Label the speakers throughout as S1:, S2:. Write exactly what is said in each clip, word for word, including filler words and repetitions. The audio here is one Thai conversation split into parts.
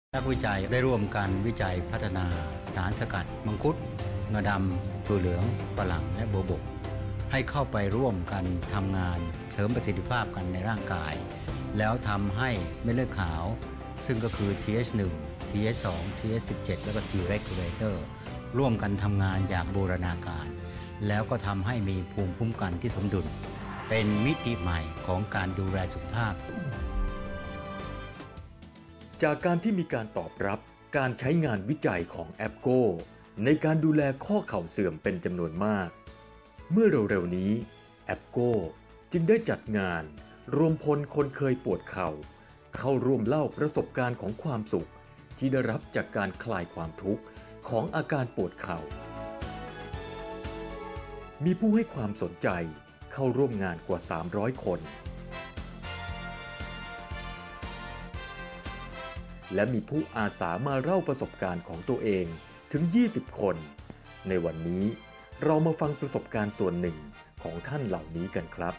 S1: นักวิจัยได้ร่วมกันวิจัยพัฒนาสารสกัดมังคุดงาดำถั่วเหลืองฝรั่งและโบวบกให้เข้าไปร่วมกันทำงานเสริมประสิทธิภาพกันในร่างกายแล้วทำให้เม็ดเลือดขาวซึ่งก็คือ ที เอช หนึ่ง ที เอช สอง ที เอช สิบเจ็ด และก็ T regulator ร่วมกันทำงานอย่างบูรณาการแล้วก็ทำให้มีภูมิคุ้มกันที่สมดุลเป็นมิติใหม่ของการดูแลสุขภาพ
S2: จากการที่มีการตอบรับการใช้งานวิจัยของแอปโกในการดูแลข้อเข่าเสื่อมเป็นจำนวนมากเมื่อเร็วๆนี้แอปโกจึงได้จัดงานรวมพลคนเคยปวดเข่าเข้าร่วมเล่าประสบการณ์ของความสุขที่ได้รับจากการคลายความทุกข์ของอาการปวดเข่ามีผู้ให้ความสนใจเข้าร่วมงานกว่าสามร้อยคนและมีผู้อาสามาเล่าประสบการณ์ของตัวเองถึงยี่สิบคนในวันนี้เรามาฟังประสบการณ์ส่วนหนึ่งของท่านเหล่านี้กันครับ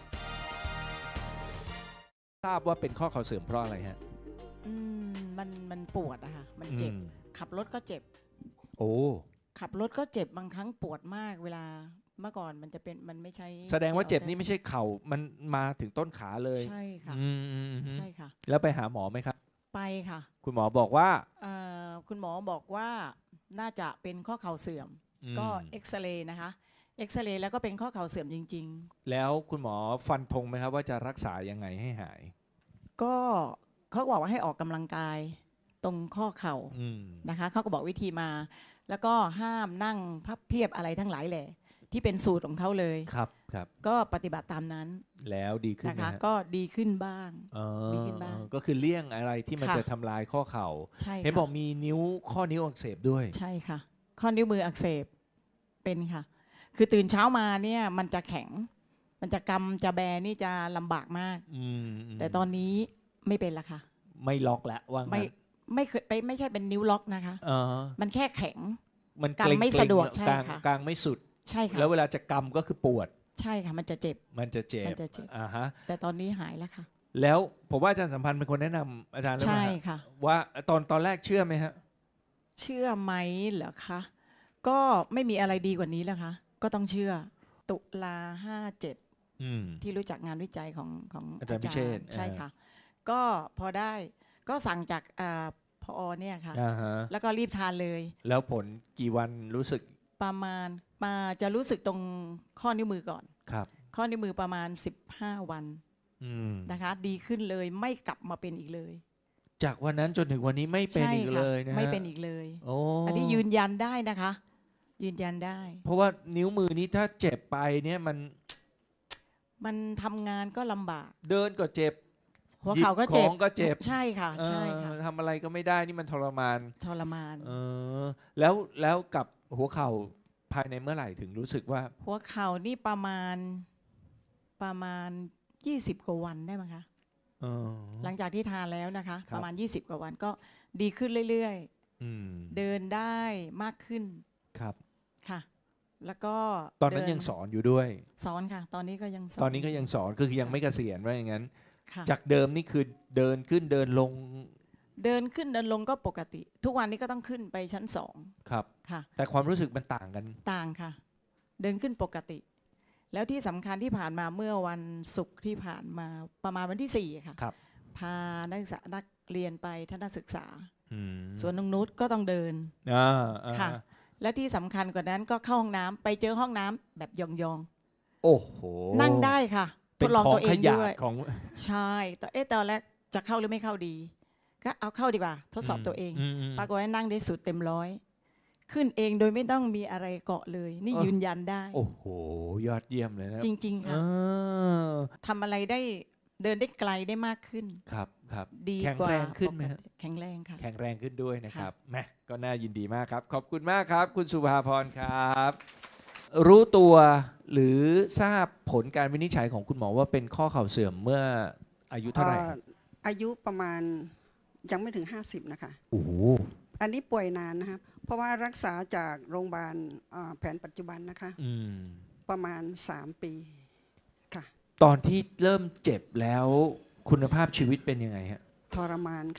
S3: ทราบว่าเป็นข้อเข่าเสื่อมเพราะอะไรฮะ
S4: อืมมันมันปวดอะค่ะมันเจ็บขับรถก็เจ็บ
S3: โอ้
S4: ขับรถก็เจ็บบางครั้งปวดมากเวลาเมื่อก่อนมันจะเป็นมันไม่ใช่
S3: แสดงว่าเจ็บนี่ไม่ใช่เข่ามันมาถึงต้นขาเลย
S4: ใช่ค่ะใช่ค่ะ
S3: แล้วไปหาหมอไหมครับ
S4: ไปค่ะ
S3: คุณหมอบอกว่า
S4: คุณหมอบอกว่าน่าจะเป็นข้อเข่าเสื่อมก็เอ็กซเรย์นะคะเอ็กซเรย์แล้วก็เป็นข้อเข่าเสื่อมจริง
S3: ๆแล้วคุณหมอฟันธงไหมครับว่าจะรักษายังไงให้หาย
S4: ก็เขาบอกว่าให้ออกกำลังกายตรงข้อเข่านะคะเขาก็บอกวิธีมาแล้วก็ห้ามนั่งพับเพียบอะไรทั้งหลายแหละที่เป็นสูตรของเขาเลย
S3: ครับครับ
S4: ก็ปฏิบัติตามนั้น
S3: แล้วดีขึ้น
S4: นะคะก็ดีขึ้นบ้าง
S3: ดีขึ้นบ้างก็คือเลี่ยงอะไรที่มันจะทำลายข้อเข่าเห็นบอกมีนิ้วข้อนิ้วอักเสบด้วย
S4: ใช่ค่ะข้อนิ้วมืออักเสบเป็นค่ะคือตื่นเช้ามาเนี่ยมันจะแข็งมันจะกำจะแบนี่จะลำบากมากแต่ตอนนี้ไม่เป็นละค่ะ
S3: ไม่ล็อกแล้วว่า
S4: ไม่ไม่เคยไปไม่ใช่เป็นนิ้วล็อกนะคะมันแค่แข็ง
S3: มัน
S4: กำไม่สะดวกใช่ค่ะ
S3: กลางไม่สุด
S4: ใช่ค่ะ
S3: แล้วเวลาจะกำก็คือปวด
S4: ใช่ค่ะมันจะเจ็บ
S3: มันจะเจ็บ
S4: มันจะเจ็บ
S3: อ่าฮะ
S4: แต่ตอนนี้หายแล้วค่ะ
S3: แล้วผมว่าอาจารย์สัมพันธ์เป็นคนแนะนำอาจารย์ใช่ค่ะว่าตอนตอนแรกเชื่อไหมฮะ
S4: เชื่อไหมเหรอคะก็ไม่มีอะไรดีกว่านี้แล้วคะก็ต้องเชื่อตุลาห้าเจ็ดที่รู้จักงานวิจัยของของ
S3: อาจารย์พิเชษฐ์
S4: ใช่ค่ะก็พอได้ก็สั่งจากพอเนี่ยค่ะแล้วก็รีบทานเลย
S3: แล้วผลกี่วันรู้สึก
S4: ประมาณมาจะรู้สึกตรงข้อนิ้วมือก่อน
S3: ครับ
S4: ข้อนิ้วมือประมาณสิบห้าวันนะคะดีขึ้นเลยไม่กลับมาเป็นอีกเลย
S3: จากวันนั้นจนถึงวันนี้ไม่เป็นอีกเลยนะ
S4: ไม่เป็นอีกเลยอันนี้ยืนยันได้นะคะยืนยันได้
S3: เพราะว่านิ้วมือนี้ถ้าเจ็บไปเนี่ยมัน
S4: มันทำงานก็ลำบาก
S3: เดินก็เจ็บ
S4: หัวเข่าก็เจ็บ
S3: ก็เจ็บ
S4: ใช่ค่ะใช่ค่ะ
S3: ทำอะไรก็ไม่ได้นี่มันทรมาน
S4: ทรมาน
S3: เออแล้วแล้วกับหัวเข่าภายในเมื่อไหร่ถึงรู้สึกว่า
S4: หัวเข่านี่ประมาณประมาณยี่สิบกว่าวันได้ไหมคะหลังจากที่ทานแล้วนะคะประมาณยี่สิบกว่าวันก็ดีขึ้นเรื่อยๆเดินได้มากขึ้น
S3: ครับ
S4: ค่ะแล้วก็
S3: ตอนนั้นยังสอนอยู่ด้วย
S4: สอนค่ะตอนนี้ก็ยังสอน
S3: ตอนนี้ก็ยังสอนคือยังไม่เกษียณว่าอย่างนั้นจากเดิมนี่คือเดินขึ้นเดินลง
S4: เดินขึ้นเดินลงก็ปกติทุกวันนี้ก็ต้องขึ้นไปชั้นสอง
S3: ครับ
S4: ค่ะ
S3: แต่ความรู้สึกมันต่างกัน
S4: ต่างค่ะเดินขึ้นปกติแล้วที่สำคัญที่ผ่านมาเมื่อวันศุกร์ที่ผ่านมาประมาณวันที่สี่ค่ะพานักศึกษานักเรียนไปทัศนศึกษาสวนนงนุชก็ต้องเดินค่ะและที่สำคัญกว่านั้นก็เข้าห้องน้ำไปเจอห้องน้ำแบบยอง
S3: ๆโอ้โห
S4: นั่งได้ค่ะทดลองตัวเองด้วย
S3: ของ
S4: ใช่แต่เอ๊ะตอนแรกจะเข้าหรือไม่เข้าดีก็เอาเข้าดีกว่าทดสอบตัวเองปรากฏว่านั่งได้สุดเต็มร้อยขึ้นเองโดยไม่ต้องมีอะไรเกาะเลยนี่ยืนยันได้
S3: โอ้โหยอดเยี่ยมเลยนะ
S4: จริงๆค่ะทำอะไรได้เดินได้ไกลได้มากขึ้น
S3: ครับครับ
S4: ดี
S3: กว่าแข็งแรงขึ้นไหม
S4: แข็งแรงค่ะ
S3: แข็งแรงขึ้นด้วยนะครับแหมก็น่ายินดีมากครับขอบคุณมากครับคุณสุภาพรครับรู้ตัวหรือทราบผลการวินิจฉัยของคุณหมอว่าเป็นข้อเข่าเสื่อมเมื่ออายุเท่าไหร่
S5: อายุประมาณยังไม่ถึงห้าสิบนะคะ
S3: โอ้โห
S5: อันนี้ป่วยนานนะครับเพราะว่ารักษาจากโรงพยาบาลแผนปัจจุบันนะคะประมาณสามปีค่ะ
S3: ตอนที่เริ่มเจ็บแล้วคุณภาพชีวิตเป็นยังไงฮะ
S5: ทรมานค่ะ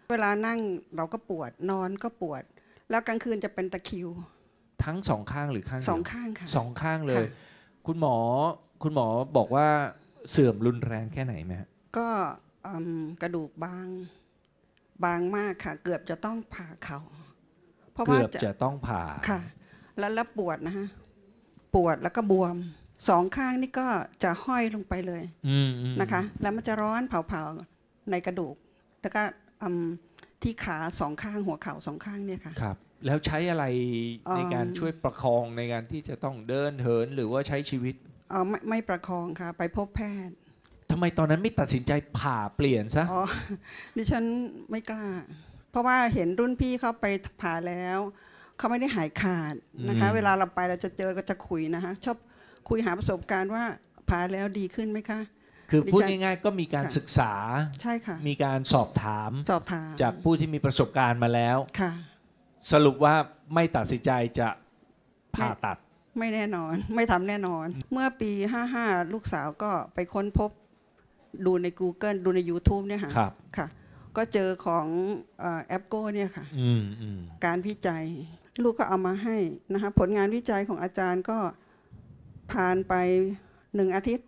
S5: เวลานั่งเราก็ปวดนอนก็ปวดแล้วกลางคืนจะเป็นตะคริว
S3: ทั้งสองข้างหรือข้างเดียว
S5: สองข้างค่ะ
S3: สองข้างเลยคุณหมอคุณหมอบอกว่าเสื่อมรุนแรงแค่ไหนไหมฮะ
S5: ก็กระดูกบางบางมากค่ะเกือบจะต้องผ่าเข่า
S3: เพราะว่าเกือบจะต้องผ่า
S5: ค่ะแล้วแล้วปวดนะฮะปวดแล้วก็บวมสองข้างนี่ก็จะห้อยลงไปเลยนะคะแล้วมันจะร้อนเผาๆในกระดูกแล้วก็ที่ขาสองข้างหัวเข่าสองข้างเนี่ยค่ะ
S3: ครับแล้วใช้อะไรในการช่วยประคองในการที่จะต้องเดินเหินหรือว่าใช้ชีวิต
S5: อ๋อไม่ไม่ประคองค่ะไปพบแพทย์
S3: ทำไมตอนนั้นไม่ตัดสินใจผ่าเปลี่ยนซะ
S5: อ๋อดิฉันไม่กล้าเพราะว่าเห็นรุ่นพี่เขาไปผ่าแล้วเขาไม่ได้หายขาดนะคะเวลาเราไปเราจะเจอก็จะคุยนะคะชอบคุยหาประสบการณ์ว่าผ่าแล้วดีขึ้นไหมคะ
S3: คือพูดง่ายๆก็มีการศึกษา
S5: ใช่ค่ะ
S3: มีการสอบถาม
S5: สอบถาม
S3: จากผู้ที่มีประสบการณ์มาแล้ว
S5: ค่ะ
S3: สรุปว่าไม่ตัดสินใจจะผ่าตัด
S5: ไม่แน่นอนไม่ทำแน่นอนเมื่อปีห้าห้าลูกสาวก็ไปค้นพบดูใน Google ดูใน YouTube เนี่ยค่ะค่ะก็เจอของแอปโก้เนี่ยค่ะการวิจัยลูกก็เอามาให้นะคะผลงานวิจัยของอาจารย์ก็ผ่านไปหนึ่งอาทิตย์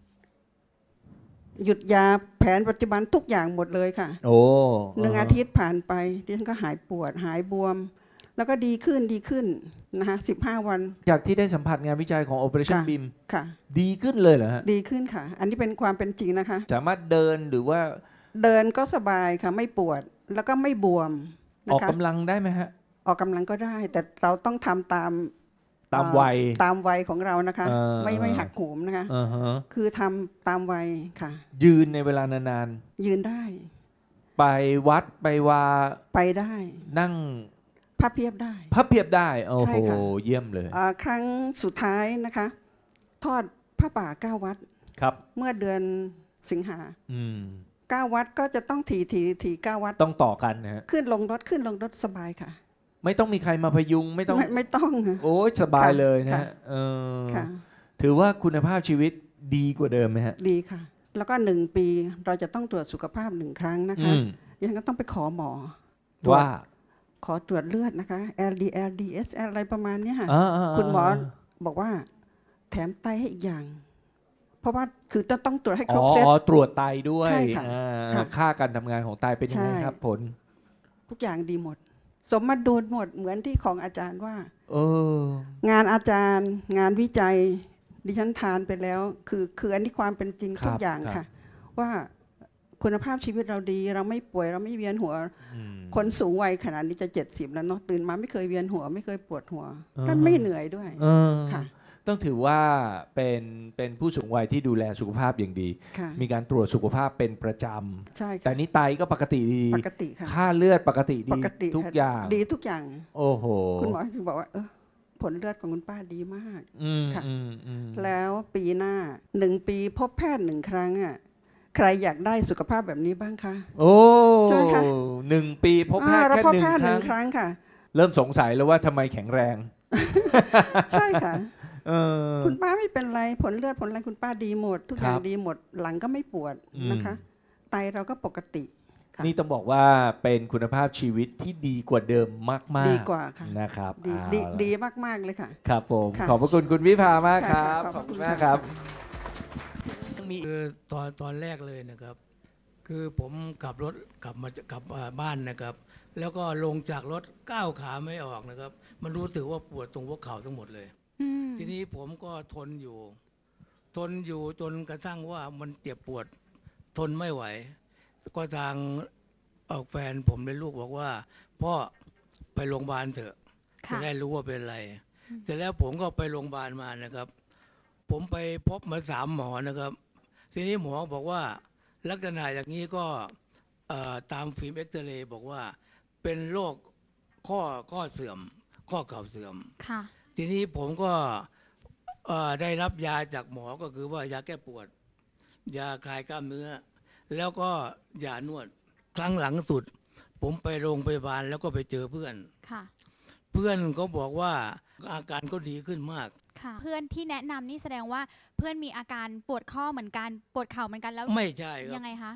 S5: หยุดยาแผนปัจจุบันทุกอย่างหมดเลยค่ะ
S3: โอ้
S5: หนึ่งอาทิตย์ผ่านไปดิฉันก็หายปวดหายบวมแล้วก็ดีขึ้นดีขึ้นนะคะสิบห้าวัน
S3: จากที่ได้สัมผัสงานวิจัยของ Operation บี เอ็ม
S5: ค่ะ
S3: ดีขึ้นเลยเหรอฮะ
S5: ดีขึ้นค่ะอันนี้เป็นความเป็นจริงนะคะ
S3: สามารถเดินหรือว่า
S5: เดินก็สบายค่ะไม่ปวดแล้วก็ไม่บวม
S3: ออกกำลังได้ไหมฮะ
S5: ออกกำลังก็ได้แต่เราต้องทำตาม
S3: ตามวัย
S5: ตามวัยของเรานะคะไม่ไม่หักโหมนะคะคือทำตามวัยค่ะ
S3: ยืนในเวลานาน
S5: ๆยืนได้
S3: ไปวัดไปวา
S5: ไปได้
S3: นั่ง
S5: พับเพียบได้
S3: พับเพียบได้โอ้โหเยี่ยมเลย
S5: ครั้งสุดท้ายนะคะทอดผ้าป่าเก้าวัด
S3: ครับ
S5: เมื่อเดือนสิงหาเก้าวัดก็จะต้องถีถีถีเก้าวัด
S3: ต้องต่อกันนะฮะ
S5: ขึ้นลงรถขึ้นลงรถสบายค่ะ
S3: ไม่ต้องมีใครมาพยุงไม่ต้อง
S5: ไม่ต้อง
S3: โอ้ยสบายเลยนะเออถือว่าคุณภาพชีวิตดีกว่าเดิมไหมฮะ
S5: ดีค่ะแล้วก็หนึ่งปีเราจะต้องตรวจสุขภาพหนึ่งครั้งนะคะยังก็ต้องไปขอหมอ
S3: ว่า
S5: ขอตรวจเลือดนะคะ แอล ดี แอล ดี เอส แอล อะไรประมาณนี้ค่ะคุณหมอบอกว่าแถมไตให้อีกอย่างเพราะว่าคือต้องต้องตรวจให้ครบเซต
S3: อ๋อตรวจไตด้วยค่าการทำงานของไตเป็นยังไงครับผล
S5: ทุกอย่างดีหมดสมดุลหมดเหมือนที่ของอาจารย์ว่า
S3: เอ
S5: องานอาจารย์งานวิจัยดิฉันทานไปแล้วคือคืออันนี้ความเป็นจริงทุกอย่างค่ะว่าคุณภาพชีวิตเราดีเราไม่ป่วยเราไม่เวียนหัวคนสูงวัยขนาดนี้จะเจ็ดสิบแล้วเนาะตื่นมาไม่เคยเวียนหัวไม่เคยปวดหัวและไม่เหนื่อยด้วยค่ะ
S3: ต้องถือว่าเป็นเป็นผู้สูงวัยที่ดูแลสุขภาพอย่างดีมีการตรวจสุขภาพเป็นประจำ
S5: ใช่
S3: แต่นี้ไตก็ปกติดี
S5: ปกติค่ะ
S3: ค่าเลือดปกติดีทุกอย่าง
S5: ดีทุกอย่าง
S3: โอ้โห
S5: คุณหมอถึงบอกว่าเออผลเลือดของคุณป้าดีมากค่ะแล้วปีหน้าหนึ่งปีพบแพทย์หนึ่งครั้งอ่ะใครอยากได้สุขภาพแบบนี้บ้างคะ
S3: โอ้ใช่ไหมคะหนึ่งปีพบแพทย์แค่หนึ่ง
S5: ครั้งค่ะ
S3: เริ่มสงสัยแล้วว่าทำไมแข็งแรง
S5: ใช่ค่ะคุณป้าไม่เป็นไรผลเลือดผลอะไรคุณป้าดีหมดทุกอย่างดีหมดหลังก็ไม่ปวดนะคะไตเราก็ปกติ
S3: นี่ต้องบอกว่าเป็นคุณภาพชีวิตที่ดีกว่าเดิมมากๆ
S5: ดีกว่าค่ะ
S3: นะครับ
S5: ดีดีมากๆเลยค่ะ
S3: ครับผมขอบพระคุณคุณวิภามากครับขอบคุณมากครับ
S6: คือตอนตอนแรกเลยนะครับคือผมขับรถกลับมากลับบ้านนะครับแล้วก็ลงจากรถก้าวขาไม่ออกนะครับมันรู้สึกว่าปวดตรงหัวเข่าทั้งหมดเลยทีนี้ผมก็ทนอยู่ทนอยู่จนกระทั่งว่ามันเจ็บปวดทนไม่ไหวก็ทางออกแฟนผมเลยลูกบอกว่าพ่อไปโรงพยาบาลเถอะจะได้รู้ว่าเป็นอะไรแต่แล้วผมก็ไปโรงพยาบาลมานะครับผมไปพบมาสามหมอนะครับทีนี้หมอบอกว่าลักษณะอย่างนี้ก็ตามฟิล์มเอ็กซเรย์บอกว่าเป็นโรคข้อข้อเสื่อมข้อเข่าเสื่อมทีนี้ผมก็ได้รับยาจากหมอก็คือว่ายาแก้ปวดยาคลายกล้ามเนื้อแล้วก็ยานวดครั้งหลังสุดผมไปโรงพยาบาลแล้วก็ไปเจอเพื่อนเพื่อนก็บอกว่าอาการก็ดีขึ้นมาก
S7: เพื่อนที่แนะนำนี่แสดงว่าเพื่อนมีอาการปวดข้อเหมือนกันปวดเข่าเหมือนกันแล้ว
S6: ไม่ใช่ครับ
S7: ยังไงคะ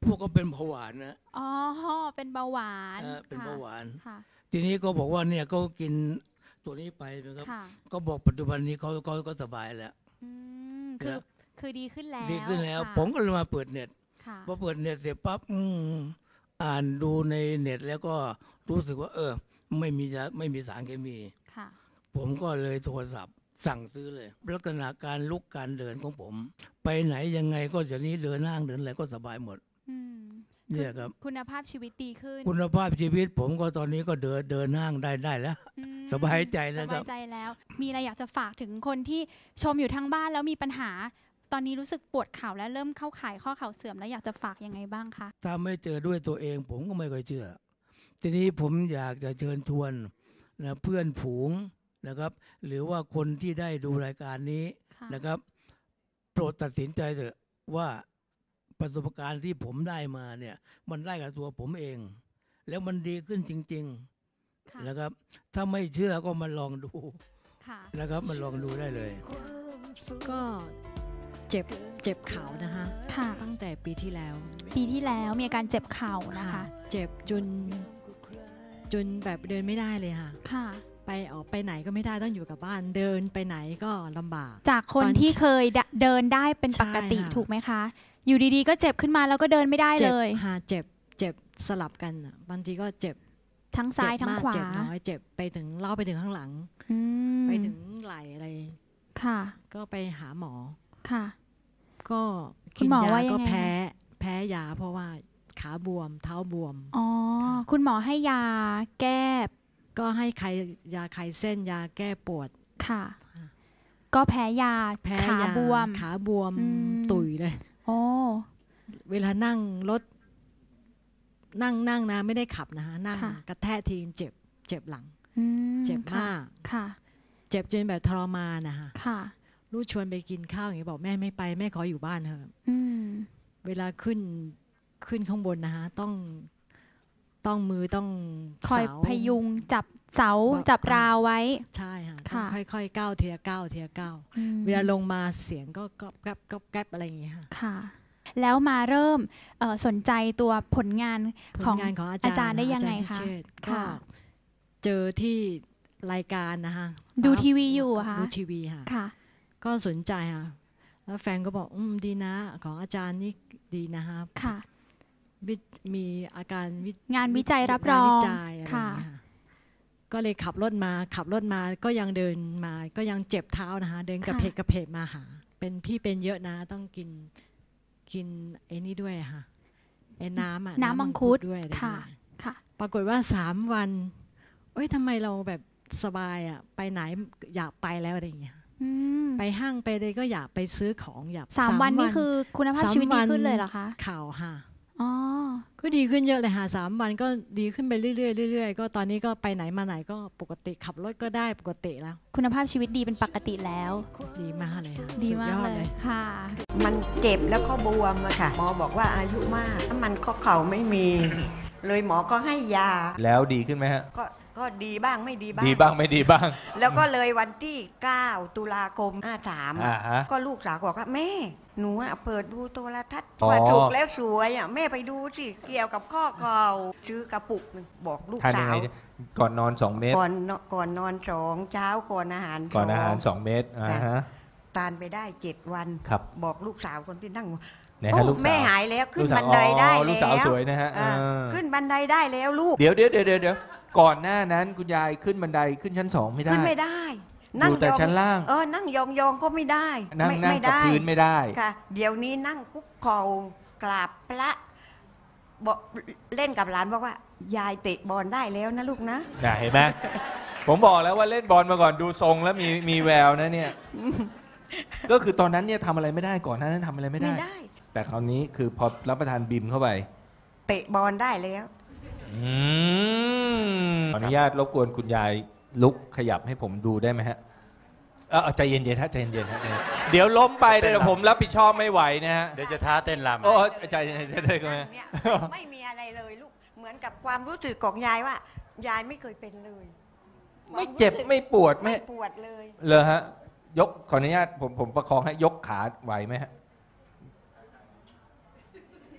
S6: พวกก็เป็นเบาหวานนะ
S7: อ๋อเป็นเบาหวาน
S6: เออเป็นเบาหวาน
S7: ค่ะ
S6: ทีนี้ก็บอกว่าเนี่ยก็กินตัวนี้ไปนะครับ
S7: ค่ะ
S6: ก็บอกปัจจุบันนี้เขาเขาก็สบายแล้ว
S7: อืมคือคือดีขึ้นแล้ว
S6: ดีขึ้นแล้ว
S7: ค่ะ
S6: ผมก็เลยมาเปิดเน็ต
S7: ค่ะ
S6: พอเปิดเน็ตเสร็จปั๊บอืมอ่านดูในเน็ตแล้วก็รู้สึกว่า เออ ไม่มียาไม่มีสารเคมี
S7: ค่ะ
S6: ผมก็เลยโทรศัพท์สั่งซื้อเลยลักษณะการลุกการเดินของผม ไปไหนยังไงก็จะนี้เดินห้างเดินอะไรก็สบายหมด
S7: อืม
S6: เนี่ยครับ
S7: คุณภาพชีวิตดีขึ้น
S6: คุณภาพชีวิตผมก็ตอนนี้ก็เดินเดินห้างได้ได้แล้ว
S7: อืม
S6: สบายใจแล้วครับ
S7: สบายใจแล้ว มีอะไรอยากจะฝากถึงคนที่ชมอยู่ทางบ้านแล้วมีปัญหา ตอนนี้รู้สึกปวดเข่าและเริ่มเข้าข่ายข้อเข่าเสื่อมแล้วอยากจะฝากยังไงบ้างคะ
S6: ถ้าไม่เจอด้วยตัวเองผมก็ไม่ค่อยเชื่อ ทีนี้ผมอยากจะเชิญชวนนะเพื่อนฝูงนะครับ หรือว่าคนที่ได้ดูรายการนี้
S7: ค่ะ
S6: นะครับ โปรดตัดสินใจเถอะว่าประสบการณ์ที่ผมได้มาเนี่ยมันได้กับตัวผมเอง แล้วมันดีขึ้นจริง
S7: ค่ะ
S6: ๆนะครับ ถ้าไม่เชื่อก็มาลองดู
S7: ค่ะ
S6: นะครับมาลองดูได้เลย
S8: ก็เจ็บเจ็บเข่านะคะ
S7: ค่ะ
S8: ตั้งแต่ปีที่แล้ว
S7: ปีที่แล้วมีอาการเจ็บเข่านะคะ
S8: เจ็บจนจนแบบเดินไม่ได้เลยค่ะ
S7: ค่ะ
S8: ไปออกไปไหนก็ไม่ได้ต้องอยู่กับบ้านเดินไปไหนก็ลำบาก
S7: จากคน
S8: ตอน
S7: ที่เคยเดเดินได้เป็นปกติ
S8: ใช่ค่ะ
S7: ถูกไหมคะ อยู่ดีๆ ก็เจ็บขึ้นมาแล้วก็เดินไม่ได้
S8: เจ็
S7: เล
S8: บ
S7: ย
S8: ค่ะเจ็บเจ็บสลับกันอะบางทีก็เจ็บ
S7: ทั้งซ้าย
S8: เจ็บ
S7: ทั้ง
S8: มาก
S7: ขวา
S8: เจ็บน้อยเจ็บไปถึงเล่าไปถึงข้างหลัง
S7: อืม
S8: ไปถึงไหล่อะไร
S7: ค่ะ
S8: ก็ไปหาหมอ
S7: ค่ะ
S8: ก็
S7: คุ
S8: กิ
S7: ณ
S8: น
S7: หมอย
S8: า
S7: ว่ายังไง
S8: ก็แพ้แพ้ยาเพราะว่าขาบวม เท้าบวม
S7: อ๋อ
S8: ค่ะ
S7: คุณหมอให้ยาแก้
S8: ก็ให้ใครยาคลายเส้นยาแก้ปวด
S7: ค่ะ
S8: ค่ะ
S7: ก็แพ้ยา
S8: แพ้
S7: ขาย
S8: า
S7: บวม
S8: ขาบวม
S7: อืม
S8: ตุยเลย
S7: โอ้
S8: เวลานั่งรถนั่งนั่งนะไม่ได้ขับนะฮะนั่ง
S7: ค่ะ
S8: กระแทกทีเจ็บเจ็บหลัง
S7: อืม
S8: เจ็บ
S7: ค่ะ
S8: มาก
S7: ค่ะ
S8: เจ็บจนแบบทรมานนะฮะ
S7: ค่ะ
S8: ลูกชวนไปกินข้าวอย่างนี้บอกแม่ไม่ไปแม่ขออยู่บ้านเถอะ
S7: อืม
S8: เวลาขึ้นขึ้นข้างบนนะฮะต้องต้องมือต้อง
S7: คอย
S8: เสา
S7: พยุงจับเสา
S8: บอก
S7: จับ
S8: อ่าร
S7: ราวไว้
S8: ใช่ฮะต้อง
S7: ค่ะ
S8: ค่อยๆก้าวเทียก้าวเทียก้าว
S7: อืม
S8: เวลาลงมาเสียงก็ก๊อบแก๊บก๊อบแก๊บอะไรอย่างเงี้ยค่ะ
S7: ค่ะ แล้วมาเริ่มเอ่อสนใจตัวผลงาน
S8: ผ
S7: ข
S8: ล
S7: อง
S8: งานของอา
S7: อา
S8: จารย์
S7: จารย์ได้
S8: นะ
S7: ยังไง
S8: อาจารพิ
S7: คะ
S8: เชษฐ์ก็
S7: ค่ะ
S8: เจอที่รายการนะคะ
S7: ดูทีวีอยู่เหรอคะ
S8: ดูทีวีค่ะ
S7: ค่ะ
S8: ก็สนใจค่ะแล้วแฟนก็บอกอืมดีนะของอาจารย์นี่ดีนะคะ
S7: ค่ะ
S8: วิมีอาการวิ
S7: งานวิจัยรับรอง
S8: งานวิจัยอะไรอย่าง
S7: ค่ะ
S8: เงี้ยค่ะก็เลยขับรถมาขับรถมาก็ยังเดินมาก็ยังเจ็บเท้านะคะ เดินกระเพกกระเพกมาหา เป็นพี่เป็นเยอะนะต้องกินกินไอ้นี่ด้วยค่ะไอ้น้ำอะ
S7: น้ำมังคุด
S8: ด้วยอะไร
S7: ค่ะ
S8: ด้วย
S7: ค่ะ
S8: ปรากฏว่าสามวันเอ้ยทำไมเราแบบสบายอ่ะไปไหนอยากไปแล้วอะไรอย่างเงี้ย
S7: อืม
S8: ไปห้างไปเลยก็อยากไปซื้อของอยาก
S7: สามวันนี่คือคุณภาพ
S8: สาม
S7: ชีวิตดี
S8: วัน
S7: ขึ้นเลยเหรอคะ
S8: ข่าวค่ะ
S7: อ๋อ
S8: ก็ดีขึ้นเยอะเลยค่ะสามวันก็ดีขึ้นไปเรื่อยๆเรื่อยๆก็ตอนนี้ก็ไปไหนมาไหนก็ปกติขับรถก็ได้ปกติแล้ว
S7: คุณภาพชีวิตดีเป็นปกติแล้ว
S8: ดีมากเลยค่ะ
S7: ดี
S8: สุด
S7: มาย ก
S8: อด
S7: เล
S8: เลย ย
S7: ค่ะ
S9: มันเจ็บแล้วก็บวมอะค่ะ หมอบอกว่าอายุมากน้ำมันข้อเข่าไม่มี เลยหมอก็ให้ยา
S3: แล้วดีขึ้นไหมฮะ
S9: ก็ก็ดีบ้างไม่ดีบ้าง
S3: ดีบ้างไม่ดีบ้าง
S9: แล้วก็เลยวันที่เก้าตุลาคมห้าสาม
S3: อ่าฮะ
S9: ก็ลูกสาวบอกว่าแม่หนูอะเปิดดูโทรทัศน์
S3: อ๋อ
S9: ว่าถูกแล้วสวยอะแม่ไปดูสิเกี่ยวกับข้อเข่าซื้อกระปุกหนึ่งบอกลูก
S3: ทานยั
S9: สาง
S3: ไง
S9: ว
S3: เนี่ยก่อนนอนสองเม็ด
S9: ก่อนนอนก่อนนอนสองเช้าก่อนอาหาร
S3: ก่อนอาหาร
S9: ส
S3: ส
S9: อง
S3: องเม็ดอ่าฮะ
S9: ทานไปได้เจ็ดวัน
S3: ครับ
S9: บอกลูกสาวคนที่นั่ง
S3: ไหนฮะ
S9: โอ้
S3: ลูกสาว
S9: แม่หายแล้วขึ้น
S3: ลูกสาว
S9: บันไดได้
S3: อ๋อ
S9: แล้ว
S3: ลูกสาวสวยนะฮะ
S9: อ่า
S3: เออ
S9: ขึ้นบันไดได้แล้วลูก
S3: เดี๋ยวเดี๋ยวเดี๋ยวเดี๋ยวเดี๋ยวก่อนหน้านั้นคุณยายขึ้นบันไดขึ้นชั้นสองไม่ได้
S9: ขึ้นไม่ได้
S3: อยู่แต่
S9: ยอง
S3: ชั้นล่าง
S9: เออนั่งยองยองๆก็ไม่ได้
S3: นั่ง
S9: ไม่
S3: นั่ง
S9: ไม่
S3: กับ
S9: ได้
S3: พื้นไม่ได้
S9: ค่ะ เดี๋ยวนี้นั่งคุกเข่ากราบพระบอกเล่นกับหลานบอกว่า ยายเตะบอลได้แล้วนะลูกนะ
S3: น่ะเห็นไหม ผมบอกแล้วว่าเล่นบอลมาก่อนดูทรงแล้วมีมีแววนะเนี่ย ก็คือตอนนั้นเนี่ยทำอะไรไม่ได้ก่อนหน้านั้นทำอะไรไม่ได้
S9: ไม่ได้
S3: แต่คราวนี้คือพอรับประทานบิมเข้าไป
S9: เตะบอลได้แล้ว
S3: อืมขออนุญาตรบกวนคุณยายลุกขยับให้ผมดูได้ไหมฮะเออใจเย็นๆฮะใจเย็นๆฮะใจเย็นๆเดี๋ยวล้มไปเดี๋ยวผมรับผิดชอบไม่ไหวนะฮะ
S10: เดี๋ยวจะท้าเต้นรำ
S3: โอ้ใจเย็นๆได้ก็ไหม
S9: เนี่ยไม่มีอะไรเลยลูก เหมือนกับความรู้สึกของยายว่า ยายไม่เคยเป็นเลย
S3: ไม่เจ็บไม่ปวดไม่
S9: ไม่ปวดเลย
S3: เลยฮะ ยกขออนุญาตผมผมประคองให้ยกขาไหวไหมฮะ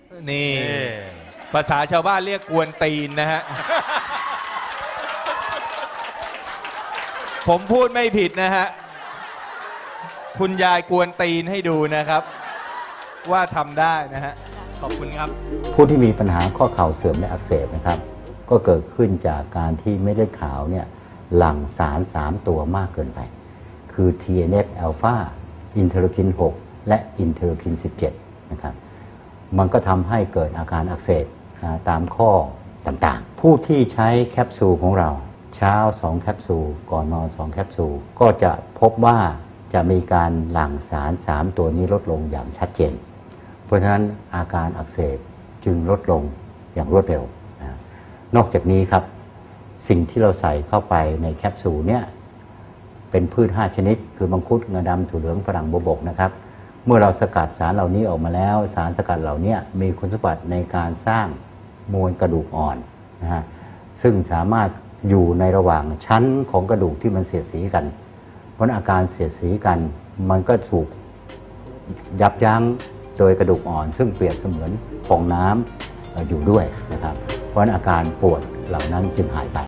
S3: นี่ภาษาชาวบ้านเรียกกวนตีนนะฮะ ผมพูดไม่ผิดนะฮะ คุณยายกวนตีนให้ดูนะครับ ว่าทำได้นะฮะ ขอบคุณครับ
S1: ผู้ที่มีปัญหาข้อเข่าเสื่อมและอักเสบนะครับก็เกิดขึ้นจากการที่เม็ดเลือดขาวเนี่ยหลั่งสารสามตัวมากเกินไปคือ ที เอ็น เอฟ อัลฟา อินเทอร์คิน หก และอินเทอร์คิน สิบเจ็ด นะครับมันก็ทำให้เกิดอาการอักเสบตามข้อต่างๆผู้ที่ใช้แคปซูลของเราเช้าสองแคปซูลก่อนนอนสองแคปซูลก็จะพบว่าจะมีการหลั่งสารสามตัวนี้ลดลงอย่างชัดเจนเพราะฉะนั้นอาการอักเสบจึงลดลงอย่างรวดเร็วนะนอกจากนี้ครับสิ่งที่เราใส่เข้าไปในแคปซูลเนี่ยเป็นพืชห้าชนิดคือมังคุดงาดำถั่วเหลืองฝรั่งบัวบกนะครับเมื่อเราสกัดสารเหล่านี้ออกมาแล้วสารสกัดเหล่านี้มีคุณสมบัติในการสร้างมวลกระดูกอ่อนนะฮะซึ่งสามารถอยู่ในระหว่างชั้นของกระดูกที่มันเสียดสีกันเพราะอาการเสียดสีกันมันก็ถูกยับยั้งโดยกระดูกอ่อนซึ่งเปรียบเสมือนฟองน้ำอยู่ด้วยนะครับเพราะอาการปวดเหล่านั้นจึงหายไป